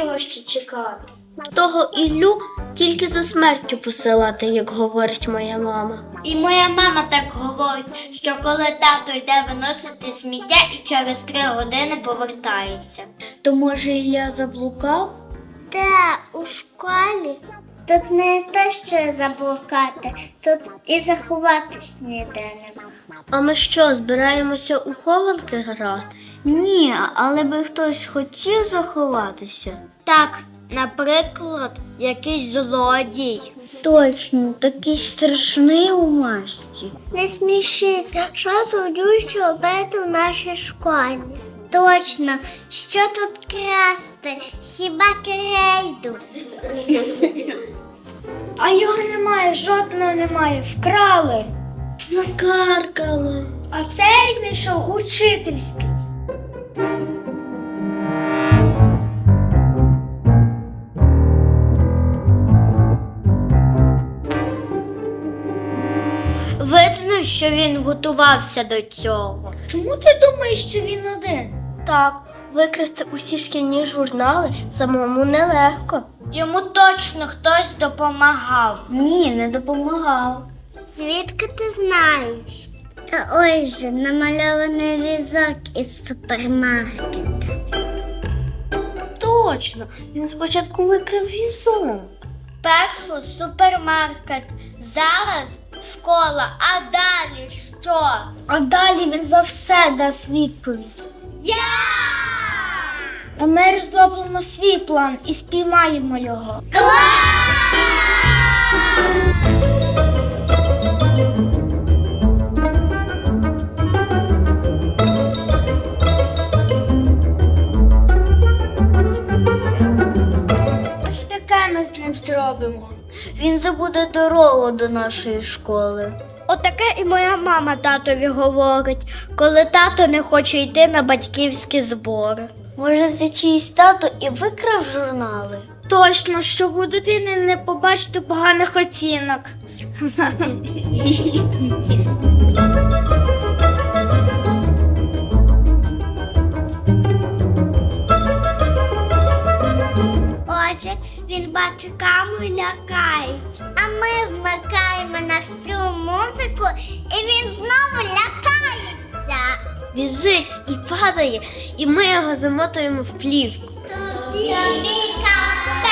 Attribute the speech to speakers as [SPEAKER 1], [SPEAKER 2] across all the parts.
[SPEAKER 1] його ще чекати. Того Іллю тільки за смертю посилати, як говорить моя мама.
[SPEAKER 2] І моя мама так говорить, що коли тато йде виносити сміття і через 3 години повертається.
[SPEAKER 1] То може Ілля заблукав?
[SPEAKER 2] Де у школі? Тут не те, що заблукати, тут і заховатись ніде нема.
[SPEAKER 1] А ми що, збираємося у хованки грати? Ні, але би хтось хотів заховатися.
[SPEAKER 2] Так, наприклад, якийсь злодій.
[SPEAKER 1] Точно, такий страшний у масті.
[SPEAKER 2] Не смішіть, що злодююся робити в нашій школі? Точно, що тут красти? Хіба крейду?
[SPEAKER 1] А його немає, жодного немає, вкрали. Накаркали. А цей знайшов учительський.
[SPEAKER 2] Видно, що він готувався до цього.
[SPEAKER 1] Чому ти думаєш, що він один? Так, викрасти усі шкільні журнали самому нелегко.
[SPEAKER 2] Йому точно хтось допомагав.
[SPEAKER 1] Ні, не допомагав.
[SPEAKER 2] Звідки ти знаєш? Та ось же намальований візок із супермаркета.
[SPEAKER 1] Точно, він спочатку викрав візок.
[SPEAKER 2] Першу супермаркет, зараз школа, а далі що?
[SPEAKER 1] А далі він за все дасть відповідь.
[SPEAKER 2] Я!
[SPEAKER 1] А ми розробимо свій план і спіймаємо його. Ось таке ми з ним зробимо. Він забуде дорогу до нашої школи.
[SPEAKER 2] Отаке і моя мама татові говорить, коли тато не хоче йти на батьківські збори.
[SPEAKER 1] Може, це чиїсь тато і викрав журнали? Точно, щоб у дитини не побачити поганих оцінок.
[SPEAKER 2] Отже, він бачить камеру і лякається. А ми вмикаємо на всю музику, і він знову лякається.
[SPEAKER 1] Біжить і падає, і ми його замотуємо в плівку.
[SPEAKER 2] Тобі капець!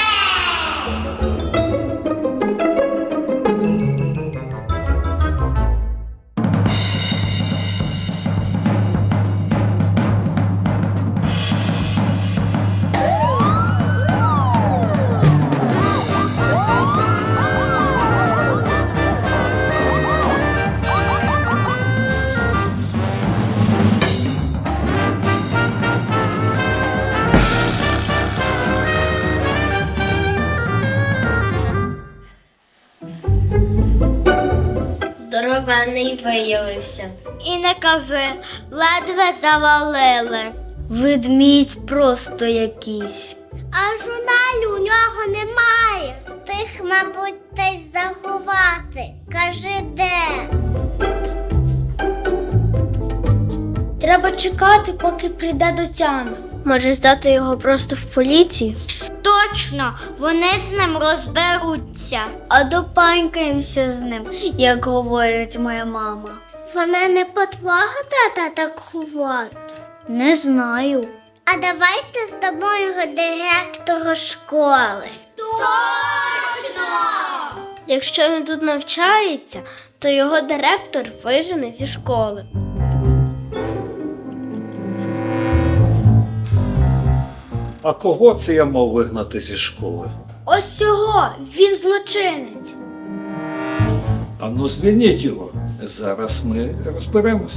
[SPEAKER 1] Здоровенний виявився.
[SPEAKER 2] І не кажи, ледве завалили.
[SPEAKER 1] Ведмідь просто якийсь.
[SPEAKER 2] А журналів у нього немає. Тих, мабуть, десь заховати. Кажи, де?
[SPEAKER 1] Треба чекати, поки прийде до тями. Може, здати його просто в поліцію?
[SPEAKER 2] Точно, вони з ним розберуться.
[SPEAKER 1] А допанькаємося з ним, як говорить моя мама.
[SPEAKER 2] Вона не по твого тата так ховати.
[SPEAKER 1] Не знаю.
[SPEAKER 2] А давайте здамо його директору школи. Точно!
[SPEAKER 1] Якщо він тут навчається, то його директор вижене зі школи.
[SPEAKER 3] А кого це я мав вигнати зі школи?
[SPEAKER 1] Ось цього, він злочинець.
[SPEAKER 3] Ану, звільніть його. Зараз ми розберемося.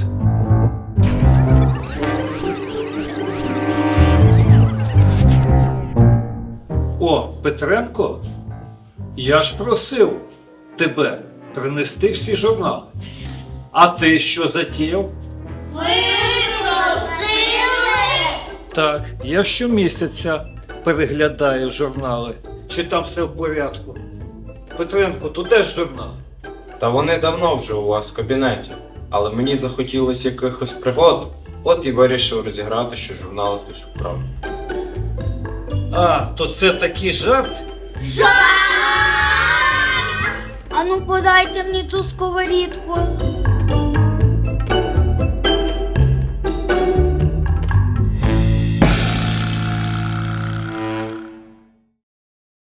[SPEAKER 3] О, Петренко, я ж просив тебе принести всі журнали. А ти що затіяв?
[SPEAKER 2] Ви просили?
[SPEAKER 3] Так, я щомісяця переглядаю журнали. Чи там все в порядку? Петренко, то де ж журнал?
[SPEAKER 4] Та вони давно вже у вас в кабінеті, але мені захотілося якихось пригод, от і вирішив розіграти, що журнали хтось украв.
[SPEAKER 3] А, то це такий жарт?
[SPEAKER 1] Ану, подайте мені ту сковорідку.